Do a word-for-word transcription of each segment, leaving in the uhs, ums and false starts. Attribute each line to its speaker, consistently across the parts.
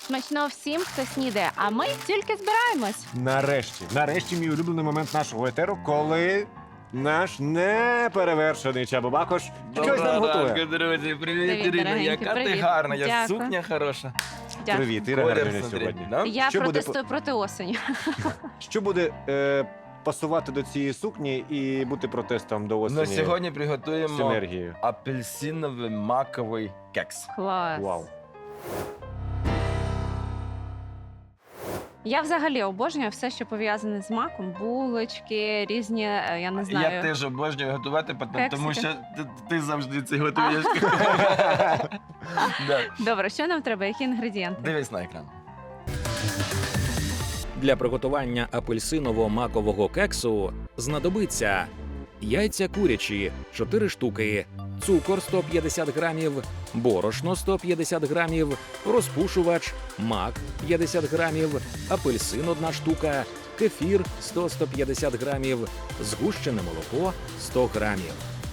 Speaker 1: Смачного всім, хто снідає, а ми тільки збираємось.
Speaker 2: Нарешті, нарешті мій улюблений момент нашого етеру, коли наш неперевершений Чаба Бакош щось нам готує.
Speaker 3: ранку, друзі. Привіт,
Speaker 1: Привіт,
Speaker 3: Ірина.
Speaker 1: дорогенький,
Speaker 3: Яка ти
Speaker 1: привіт.
Speaker 3: гарна, я
Speaker 1: Дякую.
Speaker 3: сукня хороша.
Speaker 1: Дякую.
Speaker 2: Привіт, Іра
Speaker 3: Колір,
Speaker 2: Гарміна
Speaker 3: смотри,
Speaker 2: сьогодні.
Speaker 3: да?
Speaker 1: Я
Speaker 2: Що буде
Speaker 1: протестую проти осені.
Speaker 2: Що буде е, пасувати до цієї сукні і бути протестом до осені
Speaker 3: Ну, сьогодні
Speaker 2: з
Speaker 3: приготуємо
Speaker 2: енергією?
Speaker 3: апельсиновий маковий кекс.
Speaker 1: Клас.
Speaker 2: Вау.
Speaker 1: Я взагалі обожнюю все, що пов'язане з маком, булочки, різні, е, я не знаю.
Speaker 3: Я теж обожнюю готувати, пот- тому
Speaker 1: Кексики.
Speaker 3: що ти, ти завжди це готуєш. Да.
Speaker 1: Добре, що нам треба? Які інгредієнти?
Speaker 3: Дивись на екран.
Speaker 4: Для приготування апельсиново-макового кексу знадобиться яйця курячі чотири штуки, цукор сто п'ятдесят грамів, борошно сто п'ятдесят грамів, розпушувач, мак п'ятдесят грамів, апельсин одна штука, кефір сто - сто п'ятдесят грамів, згущене молоко сто грамів.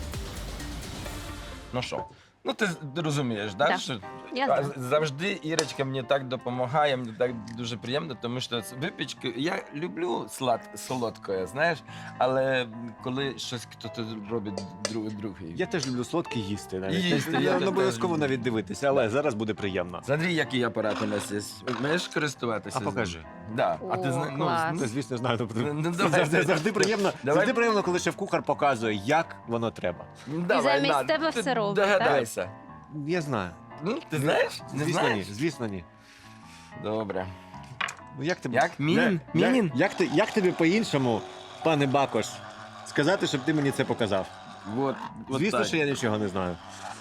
Speaker 3: Ну що? Ну ти розумієш, да?
Speaker 1: Да.
Speaker 3: Що
Speaker 1: Я
Speaker 3: а,
Speaker 1: знаю.
Speaker 3: завжди Ірочка мені так допомагає, мені так дуже приємно, тому що з випічки я люблю слад солодке, знаєш, але коли щось хтось робить друг, другий.
Speaker 2: Я теж люблю солодкі їсти навіть.
Speaker 3: Їсти, я
Speaker 2: я
Speaker 3: теж
Speaker 2: не обов'язково
Speaker 3: люблю.
Speaker 2: навіть дивитися, але зараз буде приємно.
Speaker 3: Смотри, який апарат у нас є. Вмієш користуватися?
Speaker 2: А покажи.
Speaker 3: Да. А ти
Speaker 1: О,
Speaker 3: зна- ну,
Speaker 1: клас.
Speaker 3: ну,
Speaker 2: Це, звісно, знаю. тобто
Speaker 3: Ну, ну,
Speaker 2: це
Speaker 3: давай.
Speaker 2: завжди, завжди приємно,
Speaker 3: Давай.
Speaker 2: завжди приємно, коли шеф-кухар показує, як воно треба.
Speaker 3: давай,
Speaker 1: замість
Speaker 3: на,
Speaker 1: тебе
Speaker 3: ти
Speaker 1: все робить, так?
Speaker 3: Догадайся.
Speaker 2: Я знаю.
Speaker 3: Ну, ти знаєш? Не
Speaker 2: Звісно,
Speaker 3: знаєш?
Speaker 2: ні. Звісно, ні.
Speaker 3: Добре.
Speaker 2: Ну як тобі?
Speaker 3: Як? Мінін?
Speaker 2: Я-
Speaker 3: Мінін?
Speaker 2: Як, як, ти, як тобі по-іншому, пане Бакош, сказати, щоб ти мені це показав?
Speaker 3: Вот, вот
Speaker 2: Звісно,
Speaker 3: так.
Speaker 2: що я нічого не знаю.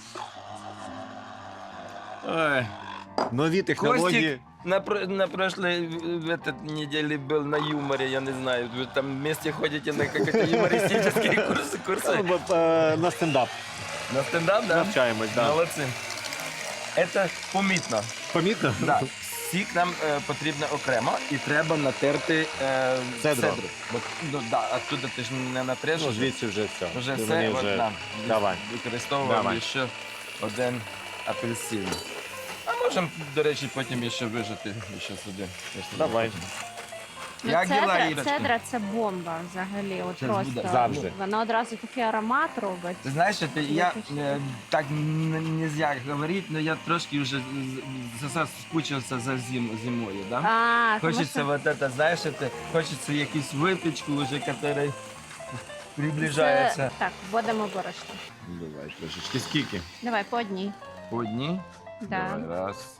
Speaker 3: Ой.
Speaker 2: Нові технології.
Speaker 3: Костик на, про- на прошлой в этот неделе был на юморе, я не знаю. Вы там вместе ходите на какие-то юмористические курсы, курсы.
Speaker 2: Ну, бо, е, на стендап
Speaker 3: На стендап, да?
Speaker 2: навчаємось. Да.
Speaker 3: Молодцы. Это помітно.
Speaker 2: Помітно?
Speaker 3: Да. Сік нам е, потрібно окремо і треба натерти е,
Speaker 2: Цедру.
Speaker 3: Бо, ну, да, оттуда ти ж не натреш.
Speaker 2: Ну,
Speaker 3: вже.
Speaker 2: звідси вже все.
Speaker 3: Вже
Speaker 2: Ти
Speaker 3: все,
Speaker 2: мені
Speaker 3: от
Speaker 2: вже-
Speaker 3: нам.
Speaker 2: Давай.
Speaker 3: Використовуємо
Speaker 2: Давай.
Speaker 3: ще один апельсин. А можемо, до речі, потім ще вижити ще сюди. якщо
Speaker 2: Давай.
Speaker 3: захочемо.
Speaker 1: Ну,
Speaker 3: Як діла,
Speaker 1: цедра,
Speaker 3: Ірочка?
Speaker 1: цедра це бомба взагалі. От
Speaker 3: Це
Speaker 1: просто
Speaker 3: буде.
Speaker 2: Завжди.
Speaker 1: вона одразу такий аромат робить.
Speaker 3: Ти знаєш, що ти, я
Speaker 1: Виключно.
Speaker 3: е, так не можна говорити, але я трошки вже заскучився за зим, зимою. Да?
Speaker 1: А, тому
Speaker 3: Хочеться
Speaker 1: що
Speaker 3: вот это, знаєш, это, хочеться якусь випічку, вже, яка
Speaker 1: це...
Speaker 3: приближається.
Speaker 1: Так, вводимо борошно.
Speaker 3: Давай трошечки. Скільки?
Speaker 1: Давай по одній.
Speaker 3: По одній?
Speaker 1: Да.
Speaker 3: Давай, раз,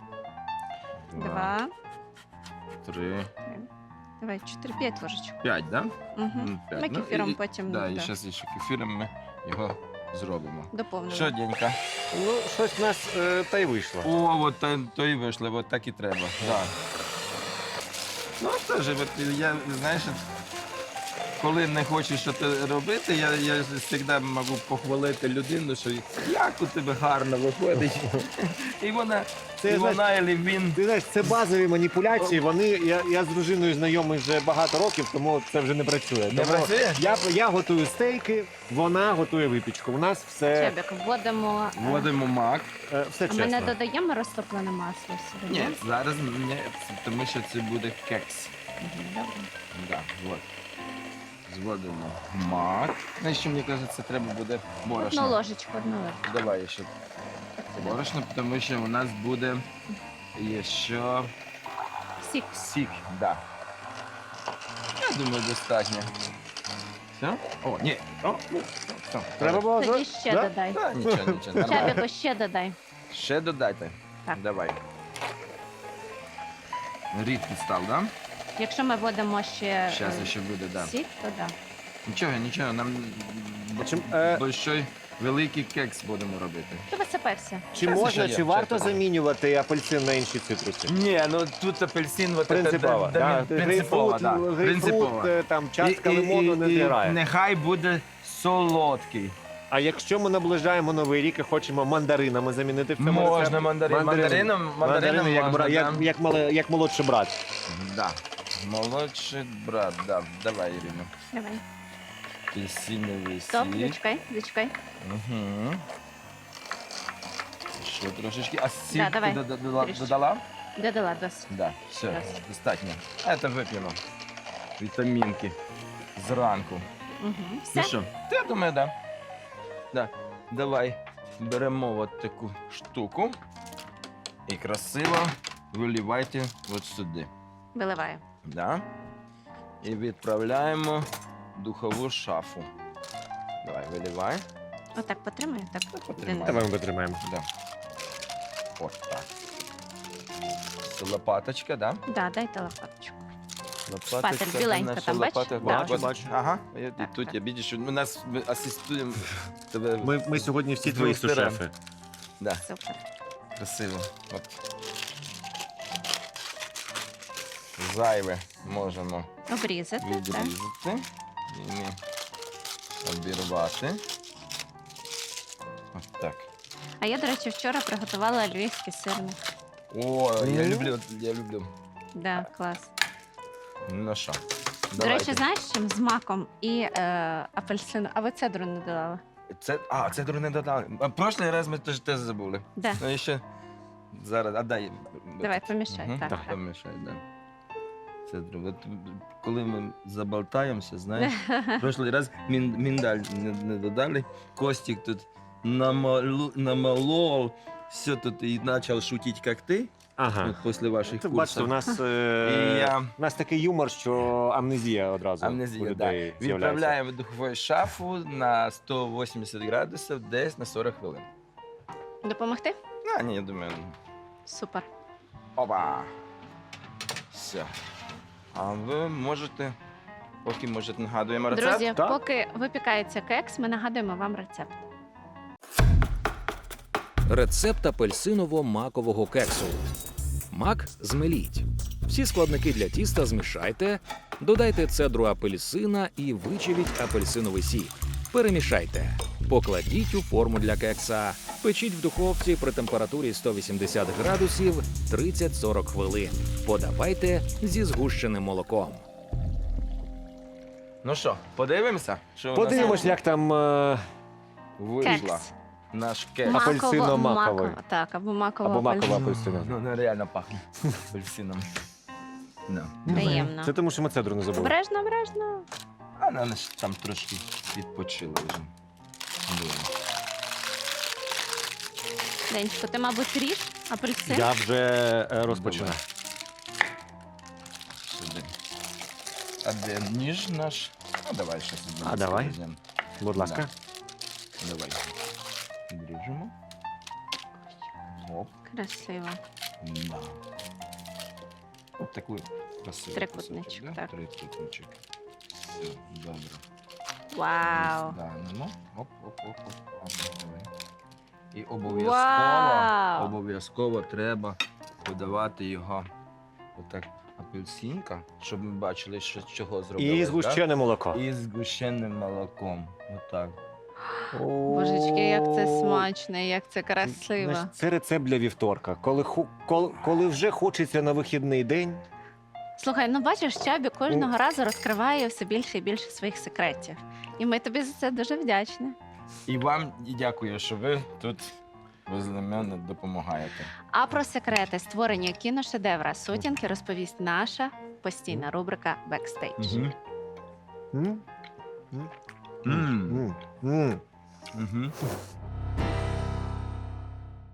Speaker 3: два,
Speaker 1: Два.
Speaker 3: три,
Speaker 1: Давай, чотири, п'ять ложечок.
Speaker 3: п'ять, да?
Speaker 1: Угу.
Speaker 3: Ну, п'ять.
Speaker 1: Ми
Speaker 3: Ну,
Speaker 1: кефіром
Speaker 3: і-
Speaker 1: потім
Speaker 3: Да, і
Speaker 1: да,
Speaker 3: зараз ще кефіром ми його зробимо.
Speaker 1: доповнимо.
Speaker 3: Що, Денька?
Speaker 2: Ну, щось в нас е, та й вийшло.
Speaker 3: О, от то, то і вийшло, от так і треба. Да. Ну, теж, от я, знаєш, коли не хочу щось робити, я, я завжди можу похвалити людину, що як у тебе гарно виходить. І вона,
Speaker 2: Це,
Speaker 3: і
Speaker 2: знаєш,
Speaker 3: вона, і він.
Speaker 2: Ти знаєш, це базові маніпуляції. Вони я, я з дружиною знайомий вже багато років, тому це вже не працює.
Speaker 3: Не
Speaker 2: Тому
Speaker 3: працює?
Speaker 2: Я, я готую стейки, вона готує випічку. У нас все,
Speaker 1: Чебік, вводимо. е,
Speaker 3: Вводимо мак.
Speaker 2: е, все
Speaker 1: А ми не
Speaker 2: чесно.
Speaker 1: додаємо розтоплене масло сюди?
Speaker 3: Ні, зараз ні, тому що це буде кекс.
Speaker 1: Мгм, добре.
Speaker 3: Да, вот. Зводимо мак. Ну, ще, мені кажеться, треба буде
Speaker 1: Одну
Speaker 3: борошно.
Speaker 1: ложечку, одну ложечку.
Speaker 3: Давай ще
Speaker 1: Так, сюди.
Speaker 3: борошно, тому що у нас буде ще
Speaker 1: Сік.
Speaker 3: сік. Да. Я думаю, достатньо. Все? О, ні. О, ну, все.
Speaker 2: Треба було
Speaker 1: Тоді
Speaker 2: за-
Speaker 1: ще
Speaker 2: да?
Speaker 1: додай.
Speaker 3: Та, нічого, нічого, нормально.
Speaker 1: Чебіку, ще додай.
Speaker 3: Ще додайте.
Speaker 1: Так.
Speaker 3: Давай. Рідкий став, да?
Speaker 1: Якщо ми вводимо ще
Speaker 3: Зараз
Speaker 1: е,
Speaker 3: ще буде, да.
Speaker 1: сік, то да.
Speaker 3: Нічого, нічого, нам б-
Speaker 2: Чим, е,
Speaker 3: большой, великий кекс будемо робити.
Speaker 1: Ти висипався.
Speaker 2: Чи
Speaker 3: Це
Speaker 2: можна,
Speaker 3: ще є,
Speaker 2: чи
Speaker 3: ще
Speaker 2: варто
Speaker 3: треба.
Speaker 2: замінювати апельсин на інші цитруси?
Speaker 3: Ні, ну тут апельсин, вот
Speaker 2: Принципово,
Speaker 3: это,
Speaker 2: да?
Speaker 3: принципово,
Speaker 2: Грейпфрут,
Speaker 3: да.
Speaker 2: грейпфрут,
Speaker 3: Принципово.
Speaker 2: е, там частка
Speaker 3: І- і-
Speaker 2: лимону не
Speaker 3: і- і
Speaker 2: зіграє.
Speaker 3: Нехай буде солодкий.
Speaker 2: А якщо ми наближаємо новий рік і хочемо мандаринами замінити в цьому
Speaker 3: Можна
Speaker 2: рецепті?
Speaker 3: мандарин. Мандарином, мандарином
Speaker 2: Мандарини, як,
Speaker 3: можна,
Speaker 2: бра- як,
Speaker 3: да.
Speaker 2: як, мале- як молодший брат.
Speaker 3: Да. Молодший брат, да. Давай, Ірина.
Speaker 1: Давай.
Speaker 3: Апельсиновий
Speaker 1: Стоп,
Speaker 3: сік.
Speaker 1: зачекай, зачекай.
Speaker 3: Угу. Ще трошечки. А сіль
Speaker 1: Да, давай.
Speaker 3: ти дода- додала?
Speaker 1: Трішечки.
Speaker 3: додала?
Speaker 1: Додала досить.
Speaker 3: Да, все,
Speaker 1: Досить.
Speaker 3: достатньо. А це вип'ємо. Вітамінки зранку.
Speaker 1: Угу.
Speaker 3: Ну
Speaker 1: Все.
Speaker 3: що, ти, я думаю, да. Да. Давай беремо от таку штуку і красиво виливайте от сюди.
Speaker 1: Виливаю.
Speaker 3: Да? І відправляємо в духову шафу. Давай, виливай.
Speaker 1: Отак потримаю. Так.
Speaker 3: потримай.
Speaker 2: Давай ми витримаємо.
Speaker 3: Да. От так. Це лопаточка, да?
Speaker 1: Да, дайте лопаточку.
Speaker 3: Лопаточка,
Speaker 1: Шпатель,
Speaker 3: це
Speaker 1: біленька
Speaker 3: наша
Speaker 1: там, бачиш?
Speaker 3: лопата.
Speaker 1: Да,
Speaker 3: Бачу,
Speaker 2: ось.
Speaker 3: бачу. Ага, я,
Speaker 1: Так,
Speaker 3: тут
Speaker 1: так.
Speaker 3: я бачу, що ми нас ми асистуємо тебе.
Speaker 2: Ми, ми сьогодні всі
Speaker 3: З
Speaker 2: твої
Speaker 3: двох сторон.
Speaker 2: сушефи.
Speaker 3: Да,
Speaker 1: Супер.
Speaker 3: красиво. От. Зайве можемо
Speaker 1: Обрізати. Так.
Speaker 3: відрізати і не обірвати. От так.
Speaker 1: А я, до речі, вчора приготувала львівський сирник.
Speaker 3: О, я
Speaker 2: Ну.
Speaker 3: люблю, я люблю.
Speaker 1: Да, клас.
Speaker 3: Ну що,
Speaker 1: До речі, знаєш, чим з маком і е, апельсином. А ви цедру не додали?
Speaker 3: Це, а, це не додали. А прошлий раз ми теж теж забули.
Speaker 1: Да.
Speaker 3: Ну і ще зараз, а дай.
Speaker 1: Давай, помішай.
Speaker 3: Мгм,
Speaker 1: Так,
Speaker 3: так,
Speaker 1: так.
Speaker 3: помішай, да. Це друге. От, коли ми заболтаємося, знаєш, прошлий раз мін, міндаль не, не додали, Костік тут намалу, намалов, все тут і почав шутити, як ти,
Speaker 2: Ага.
Speaker 3: от після ваших
Speaker 2: Ти
Speaker 3: курсів.
Speaker 2: бачите, у нас, е,
Speaker 3: І я-
Speaker 2: у нас такий юмор, що амнезія одразу у
Speaker 3: Амнезія, да.
Speaker 2: людей з'являється.
Speaker 3: Відправляємо в духову шафу на сто вісімдесят градусів десь на сорок хвилин.
Speaker 1: Допомогти?
Speaker 3: А, ні, я думаю,
Speaker 1: Супер.
Speaker 3: опа. Все. А ви можете, поки можете нагадуємо рецепт.
Speaker 1: Друзі,
Speaker 2: так?
Speaker 1: поки випікається кекс, ми нагадуємо вам рецепт.
Speaker 4: Рецепт апельсиново-макового кексу. Мак змеліть. Всі складники для тіста змішайте, додайте цедру апельсина і вичавіть апельсиновий сік. Перемішайте. Покладіть у форму для кекса. Печіть в духовці при температурі сто вісімдесят градусів тридцять-сорок хвилин. Подавайте зі згущеним молоком.
Speaker 3: Ну що, подивимося, що у
Speaker 2: Подивимось,
Speaker 3: нас
Speaker 2: як там е,
Speaker 3: вийшла
Speaker 1: Кекс.
Speaker 3: наш кекс.
Speaker 2: Ма- Апельсино-маковий.
Speaker 1: Маково- Так, або макова
Speaker 2: або макова
Speaker 1: апельсин.
Speaker 2: апельсина.
Speaker 3: Ну, ну реально пахне апельсином. No.
Speaker 1: Приємно.
Speaker 2: Це тому, що ми цедру не забули.
Speaker 1: Обережно, обережно.
Speaker 3: А вона ж там трошки відпочила вже. Думаю.
Speaker 1: Денечко, ти, мабуть, ріж апельсин?
Speaker 2: Я вже е, розпочинаю.
Speaker 3: Сюди. А де ніж наш? А давай ще сюди.
Speaker 2: А, давай.
Speaker 3: візьмемо.
Speaker 2: Будь ласка.
Speaker 3: Давай. Відріжемо. Оп.
Speaker 1: Красиво.
Speaker 3: Да. От таку красиву.
Speaker 1: Трикутничок,
Speaker 3: кусочок, да?
Speaker 1: так.
Speaker 3: Трикутничок. Все, добре.
Speaker 1: Вау.
Speaker 3: Да, ну, ну. Оп, оп, оп, оп. Оп, давай. І обов'язково,
Speaker 1: Вау.
Speaker 3: обов'язково треба подавати його отак апельсинка, щоб ми бачили, що з чого зробили.
Speaker 2: І згущене молоко.
Speaker 3: І з згущеним молоком. Отак.
Speaker 1: Божечки, як це смачно, як це красиво.
Speaker 2: Знаєш, це рецепт для вівторка. Коли, ху- коли, коли вже хочеться на вихідний день,
Speaker 1: Слухай, ну бачиш, Чабі кожного разу розкриває все більше і більше своїх секретів. І ми тобі за це дуже вдячні.
Speaker 3: І вам і дякую, що ви тут возле мене допомагаєте.
Speaker 1: А про секрети створення кіношедевра сутінки розповість наша постійна рубрика «Бекстейдж».
Speaker 3: Угу.
Speaker 2: м?
Speaker 3: М.
Speaker 2: М, м.
Speaker 3: Угу.